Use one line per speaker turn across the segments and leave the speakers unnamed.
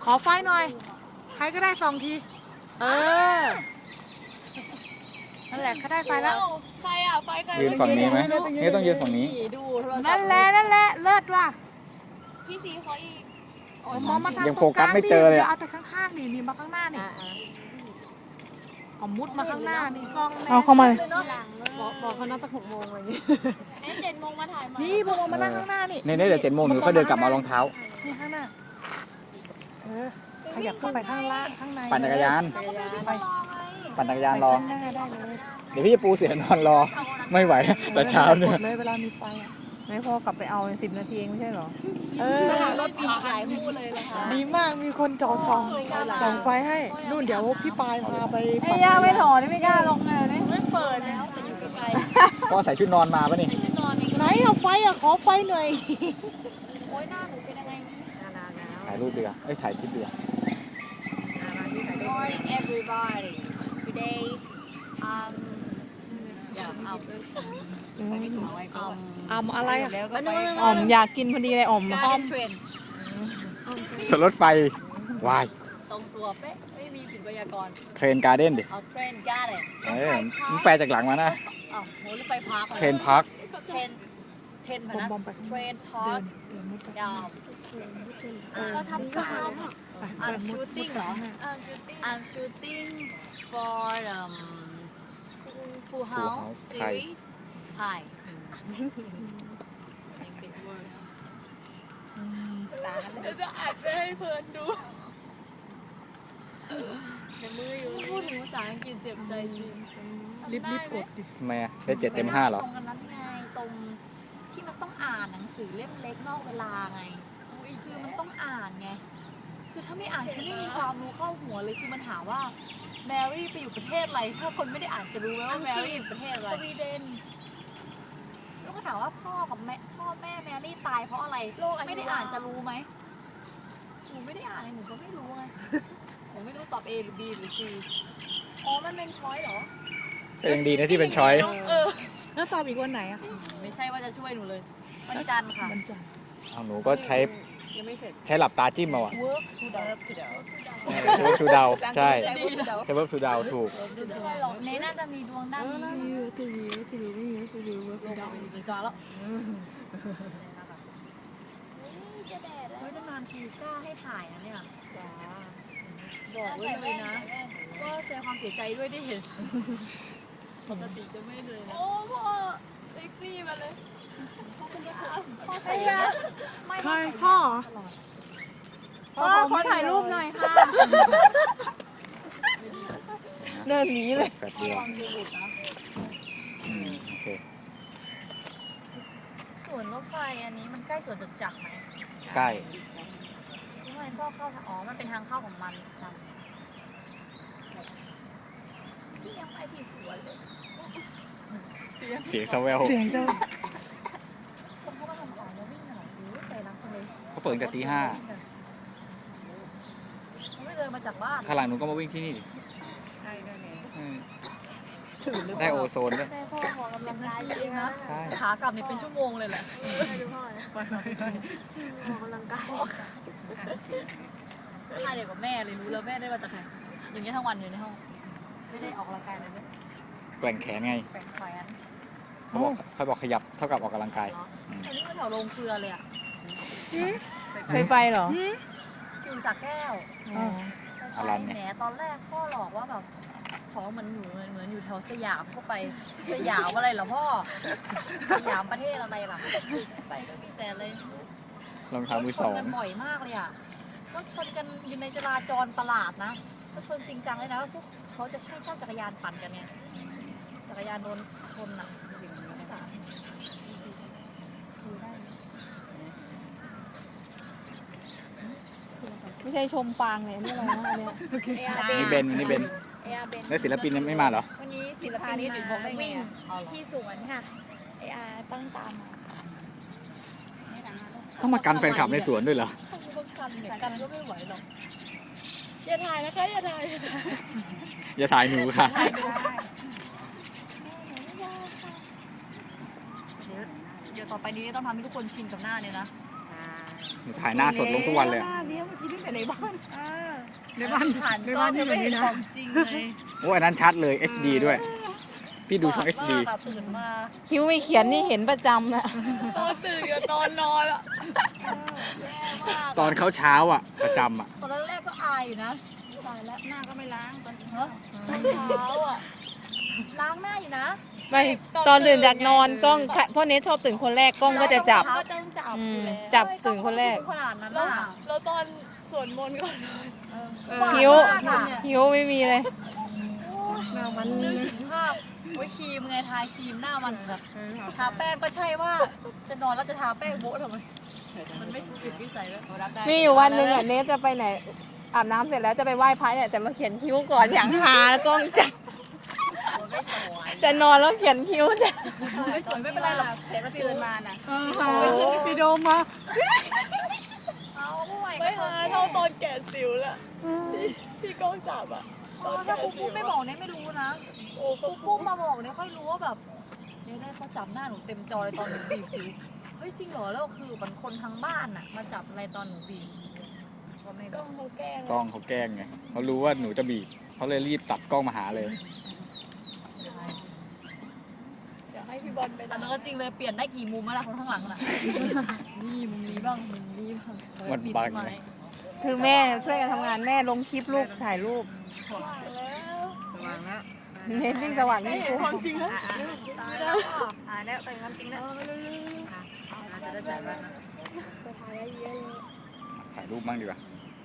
ขอไฟหน่อยใครก็ได้2 ทีนั่นแหละก็ได้ไฟแล้ว
ใครอ่ะไฟใคร
ยืนฝั่งนี้ไหมนี่ต้องยืนฝั่งนี้
ดูโทรศัพท์
นั่นแหละเลิศว่ะ
พี่ซีเขาอีก
มองมาทาง
ยังโฟกัสไม่เจอเลย
เอาแต่ข้างๆนี่มาข้างหน้านี่ก็มุดมาข้างหน้านี่
เอาเข้ามา
บอกเขานัดตั้ง6 โมงอะไรอย่างงี้
7 โมงมาถ่ายมา
นี่พวกมานั่งข้างหน้านี่
นี่เดี๋ยว7 โมงหนูค่อยเดินกลับมาเอารองเท้า
นี่ข้างหน้าขยับขึ้นไปข้างล่างข้างใน
ปั่นจักรยาน
ไป
ปั่นจักรยานรอ
ข้างหน้าได้เลย
เดี๋ยวพี่จะปูเสียนอนรอ ไม่ไหวแต่เช้าเนี่ย
เลยเวลามีไฟอ่ะ
ไม่พอกลับไปเอาใน10 นาทีเองไม่ใช่เหรอ
รถมีหลายคู่เลยนะคะ
ดีมากมีคนจองไฟให้นู่นเดี๋ยวพี่ปายพาไป
ไอ้ย่าไม่ถอดไม่กล้าลงเลยนี่
ไม่เปิดแล้วแต่อยู่ไกล
พ่อใส่ชุดนอนมาปะนี่
ๆในชุดนอนนี่ก็
ไหนเอาไฟอ่ะขอไฟหน่อย
โอ้ยหน้าหนูเป็นยังไงนี่
ถ่ายรูปดีกว่าถ่ายคลิปดีกว่า
Morning everybody today
อะไรอ่ะ
อ่อมอยากกินพอดีเลยอ่อม
การเทรน
สวนรถไฟวาย
ตรงตัวเป๊ะไม่มีผิดไวยากรณ์
เทรนการ์เด้นดิ
เอาเทรนการ์ด
มึงแปลจากหลังมานะ
อ้าวโหรถไฟพาร์ค
เทรนพาร์ค
เทรนพนะเทรนพาร์คยาวก็ทำฟาร์มI'm shooting เหรอ I'm shooting for Full House series Hi ตากันเลยจะอ่านไปให้เพื่อนดูพูดถึงภาษาอังกฤษเจ็บใจจริง
รีบกดดิ
ทำไมอะได้7 เต็ม 5เหรอ
ตรงนั้นไงตรงที่มันต้องอ่านหนังสือเล่มเล็กนอกเวลาไงคือมันต้องอ่านไงคือถ้าไม่อ่านคือไม่มีความรู้เข้าหัวเลยคือมันถามว่าแมรี่ไปอยู่ประเทศอะไรถ้าคนไม่ได้อ่านจะรู้ไหมว่าแมรี่อยู่ประเทศอะไรสวีเดนแล้วก็ถามว่าพ่อแม่แมรี่ตายเพราะอะไรไม่ได้อ่านจะรู้ไหมหนูไม่ได้อ่านหนูก็ไม่รู้ไงหนูไม่รู้ตอบ A หรือ B หรือ C อ๋อมันเป็นช้อยเหรอ
ก็ยังดีนะที่เป็นช้อย
แล้วสอบอีกวันไหนอ่ะ
ไม่ใช่ว่าจะช่วยหนูเลยวันจันทร์ค่ะ
วันจันทร์
เอาหนูก็ใช้หลับตาจิ้มเอาอะ
work to the
เวิร์กทูดาวใช่ใช้เวิร์กทูดาวถูก
เนน่าจะมีดวงด้านนี้จอแล้วจะแดดแล้วนานทีกล้าให้ถ่ายนะเนี่ยบอกไว้เลยนะก็แสดงความเสียใจด้วยได้เห็นปกติจะไม่เลยนะโอ้พ่อเซ็กซี่มาเลยพ่อใส่ไม่
ใครพ่อ
พ่อขอถ่ายรูปหน่อยค่ะเดินหนีเลย
แฟดเดียว
ความเย็นหลุดนะ
โอเค
สวนรถไฟอันนี้มันใกล้สวนจตุจักรไหม
ใกล้
ทำไมพ่อเข้าอ๋อมันเป็นทางเข้าของมันจำพี่ยังไปผิดสวนเลย
เสียงสแวว
เสียงเจ้า
คนเขามาทำของแล้ววิ่งเหรอโอ้ยใจรักจังเลย
เขาเปิดตั้งแต่ตี 5
เขาไม่เดินมาจากบ้าน
ข้างหลังหนูก็มาวิ่งที่นี่ดิได้โอโซนด้วย
แม่พ่อขอกำลังกายเองนะ
ใช่
ขากลับเนี่ยเป็นชั่วโมงเลยแหละถ่ายเด็กกับแม่เลยรู้แล้วแม่ได้มาจากใครอย่างเงี้ยทั้งวันอยู่ในห้องไม่ได้ออกกำลังกายเลยเนี่ย
แกว่งแขนไง
แปลงแขวน
เขาบอกขยับเท่ากับออกกำลังกาย
เหรออันนี้มันแถวโรงเกลือเลยอ่ะ
เคยไปเหรอ
อยู่สระแก้ว
อลันเนี่ย
แหมตอนแรกพ่อหลอกว่าแบบของมันอยู่เหมือนอยู่แถวสยามก็ไปสยามอะไรเหรอพ่อสยามประเทศอะไรล่ะไปก็มีแต่อะไร
รองเท้ามือ
ช
ส
น
อง
กันบ่อยมากเลยอ่ะก็ชนกันอยู่ในจราจรประหลาดนะก็ชนจริงจังเลยนะพวกเขาจะใช้เช่าจักรยานปั่นกันเนี่ยจักรยานโดนชนอ่ะสารได้
ไม่ใช่ชมปางเนี่ยนี่อะไรนะอันเนี้ย
นี่เบนแล้วศิลปินยังไม่มาเหรอ
วันนี้ศิลปินมาวิ่งที่สวนค่ะไออาตั้งตามมา
ต้องมากันแฟนคลับในสวนด้วยเหรอ
ต้องกันเนี่ยกันก็ไม่ไหวหรอก
อย่าถ่ายนะคะอย่าถ่าย
อย่าถ่ายหนูค่ะ
เดี๋ยวต่อไปนี้ต้องทำให้ทุกคนชินกับหน้าเนี่ยนะ
หนูถ่ายหน้าสดลงทุกวันเลย
หน้าเนี้ยเมื่อกี้ตั้งแต่ในบ้าน
ในบ้านผ่านกล้องยังไม่เห็นของจริงเลย
โอ้อันนั้นชัดเลย HD ด้วย พี่ดูช่อง HD
แบบตื่นมา
คิ้วไม่เขียนนี่เห็นประจำนะ
ตอนตื่นกับตอนนอนอะแย่มาก
ตอนเขาเช้าอ่ะ ประจำอ่ะ
ตอนแรกก็อายอยู่นะตายแล้ว
หน้าก็ไม่ล้างตอน
เนอะตอนเช้าอะล้างหน้าอยู่นะ
ไม่ตอนตื่นจากนอนกล้องพ่อเนทชอบตื่นคนแรกกล้องก็จะจับ
ก็ต้องจับ
อื
อยู่
ม
แล้ว
จับตื่นคนแรก
ขนาดนั้นน่ะ
แล้วตอนสวดมนต์ก่อน
คิ้ว
หานมากอะ
คิ้วไม่มีเลย
หน้ามัน
นึกถึงภาพไว้ครีมไงทาครีมหน้ามันแบบทาแป้งก็ใช่ว่าจะนอนแล้วจะทาแป้งโบ๊ะทำไมมันไม่จิตวิสัยแล้ว
มีอยู่วันหนึ่งอ่ะเนทจะไปไหนอาบน้ำเสร็จแล้วจะไปไหว้พระเนี่ยแต่มาเขียนคิ้วก่อนอย่างหากล้องจับ
ไม่สวย
จะนอนแล้วเขียนคิ้วจะ
ไม่สวยไม่เป็นไรหรอก
เห็นว่าตื่นมาน่ะ
พี่โดมมา
เอาห่วย
ไม่หาเท่าตอนแกะสิวละที่กล้องจับอ่ะ
ถ้าครูปุ้มไม่บอกเนี่ยไม่รู้นะครูปุ้มมาบอกเนี่ยค่อยรู้ว่าแบบเนี่ยได้เขาจับหน้าหนูเต็มจอเลยตอนหนูบีบสิวเฮ้ยจริงเหรอแล้วคือมันคนทั้งบ้านน่ะมาจับอะไรตอนหนูบีบสิวก็ไม่
ก
บ
ล้
อ
อก งเขาแกล้ง
กล้องเขาแกล้งไงเขารู้ว่าหนูจะบีบเขาเลยรีบตัดกล้องมาหาเลย
เดี๋ยวให้พี่บอลไป
อันนั้นก็จริงเลยเปลี่ยนได้กี่มุมแล้วล่ะคนข้างหลังน่ะนี่มุมนี้บ้างมุมนี้บ้าง
มันบังไง
คือแม่ช่วยกันทำงานแม่ลงคลิปลูกถ่ายรูปเนทยิ่งสว่างยิ่งคุ้ม
ความจริงนะ
ตายแล้วอ่ะ
แล้วไปความจริงแล้ว
เราจะได้ใส่แว่นนะ
ถ่ายรูปบ้างดีกว่า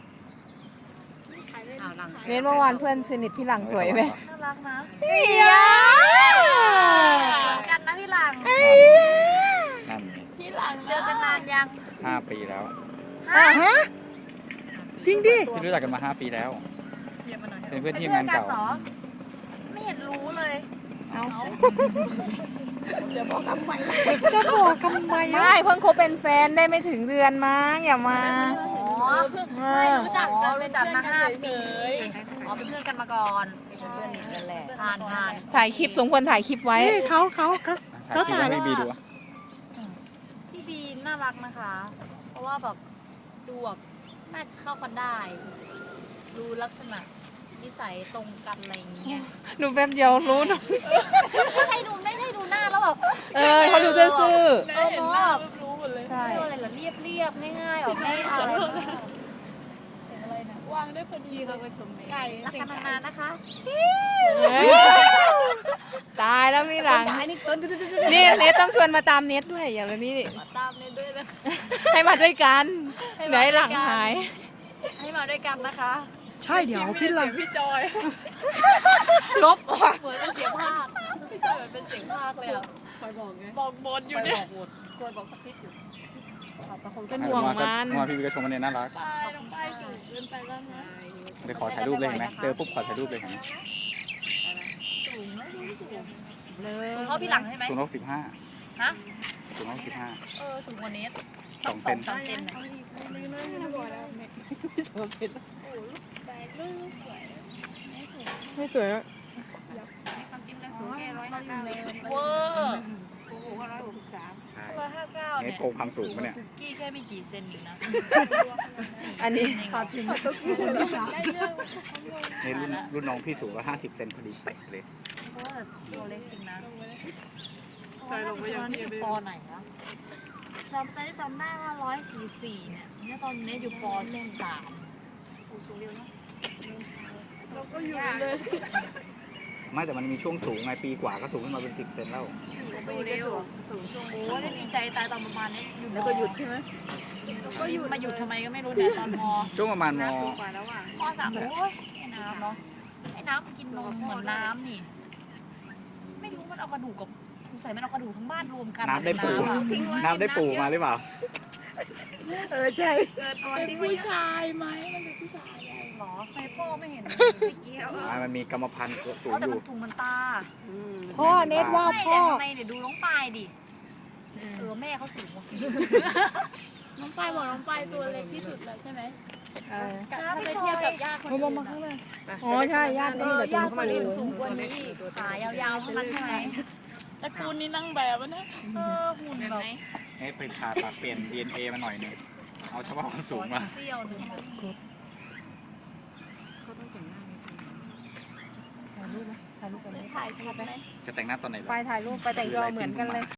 เนทเมื่อวานเพื่อนสนิทพี่หลังสวยไหม
น่ารักนะ
เฮีย
เหมือนกันนะพี่หลัง
นั่นไง
พี่หลัง
เจอกันนานยัง
5 ปีแล้ว
ฮะจริงดิ
พี่รู้จักกันมา 5 ปีแล้ว เป็นเพื่อนที่
เป็น
ทำงานเก่า
เหรอไม่เห็นรู้เลย
จะบอกทำไม
ไม่เพิ่งคบเป็นแฟนได้ไม่ถึงเดือนมั้งอย่ามา
อ๋อไม่รู้จักกันรู้จักมา5 ปีอ๋อเป็นเพื่อนกันมาก่อนผ่าน
ถ่ายคลิปสมควรถ่ายคลิปไว้
นี่เขา
ถ่ายคลิปให้พี่บีดูอะ
พี่บีน่ารักนะคะ เพราะว่าแบบดูแบบน่าจะเข้ากันได้ ดูลักษณะนิสัยตรงกันอะไรอย่างเงี้ย
ดูแป๊บเดียวรู้เนอะ
ไม่ใช่ดูหน้าแล้วแบบ
เขาดูซื่อ
เห็นหน้า
รู้หมดเลย
ๆใช่
เรียกอะไรเหรอเรียบง่ายๆออกไม่อะไร
วางได้พอดีเราก็ชมไก่
รักกันนานๆนะคะ
ตายแล้วพี่หลังนี่เนทต้องชวนมาตามเนทด้วยอย่างนี้นี่
มาตามเนยด้วยนะคะ
ให้มาด้วยกันไหนหลังหาย
ให้มาด้วยกันนะคะ
ใช่เดี๋ยวพี่หลัง
พี่จอย
ลบออก
เหมือนเป็นเสียงภาคพี่จอยเหมือนเป็นเสียงภาคเลยอ่ะ
บอกบนอยู่เนี่ย
กวนบอกสักนิดอยู่
เป็นห่วงมัน
เมื่อวานพี่บีก็ชมว่าเนี่ยน่ารัก
ป้ายน้องป้ายสูงเกินไปแล้วนะ
เลยขอถ่ายรูปเลยเห็นไหมเจอปุ๊บขอถ่ายรูปเลยเห็นไหม
สูงนะสูงเท่าพี่หลังใช่ไหม
สูง165
ฮะ
สูง165
สูงกว่านี้
2 เซน
2-3 เซนน่ะ
ไม่สวยอะ
ความจริงแล้วสูงแค่159
เวอร์
โอ้โห163
ใช่
159
เนี่
เนี่ย ย
โกงความสูงปะเนี่ย
คุกกี้แค่ไม่กี่เซนอยู่นะ
อันนี้
ในรุ่นน้องพี่สูงก็50 เซนพอดีเป๊ะเลย
เพราะว่าตัวเล็กจริงนะใจลงไปยังนี่ปอไหนนะจำได้ว่า144เนี่ยตอนนี้อยู่ป .3
เราก็อยู่เลย
ไม่แต่มันมีช่วงสูงไงปีกว่าก็สูงขึ้นมาเป็น10 เซนแล้ว
โตเร็ว
โอ้ได้ดีใจตายตอนประมาณนี้อยู่
แล้วก็หยุดใช่ไหม
ก็หยุดมาหยุดทำไมก็ไม่รู้เนี่ยตอนม
ช่วงประมาณม
สูงกว่าแล้วอ่ะ
ม.3โอ้ยไอ้น้ำเนาะไอ้น้ำมันกินนมเหมือนน้ำนี่ ไม่รู้มันเอากระดูกกับสงสัยมันเอากระดูกทั้งบ้านรวมกัน
น้ำได้ปู
อะ
น้ำได้ปูมาหรือเปล่า
ใช่
เกิดก่อนที่ผู้ชายไหมมันเป็นผู้ชายไง
หรอใครพ่อไม่เห็น
ไม่เกี่ยว
มันมีกรรมพันธุ์สูง
แต่
อยู่
มันถุงมันตา
พ่อเนทว่า
ไม่
พ่อ
ทำไมเดี๋ยวดูน้องปายดิแม่เขาสูงว่ะ
น้องปายบอกน้องปายตัวเล็กที่สุดแล้วใช่ไหม
น้ำ
ถ้า
ไม่
ไป
ซ
เทียบ
อย
กับญาติคน
มา
อื่น
มาข้างหน้า
อ๋อใช่ญาติไม่มีแต่
ญา
ถุ
ติ
ง
คนอื่นสูงกว่านี้
ขายาวๆเท่านั้นใช่ไหม
ตระกูลนี้นั่งแบบนะ
หุ่นแบบ
ให้ไปผ่าตัดเปลี่ยน DNA มาหน่อยหนึงเอาเฉพาะความสูงมา
เสี้ยวหนึ่ง
ถ่ายรูปไหมถ่ายรูปกันไหม
ถ่ายชัดไหม
จะแต่งหน้าตอนไหน
ไปถ่ายรูปไปแต่งตัวเหมือนกันเลย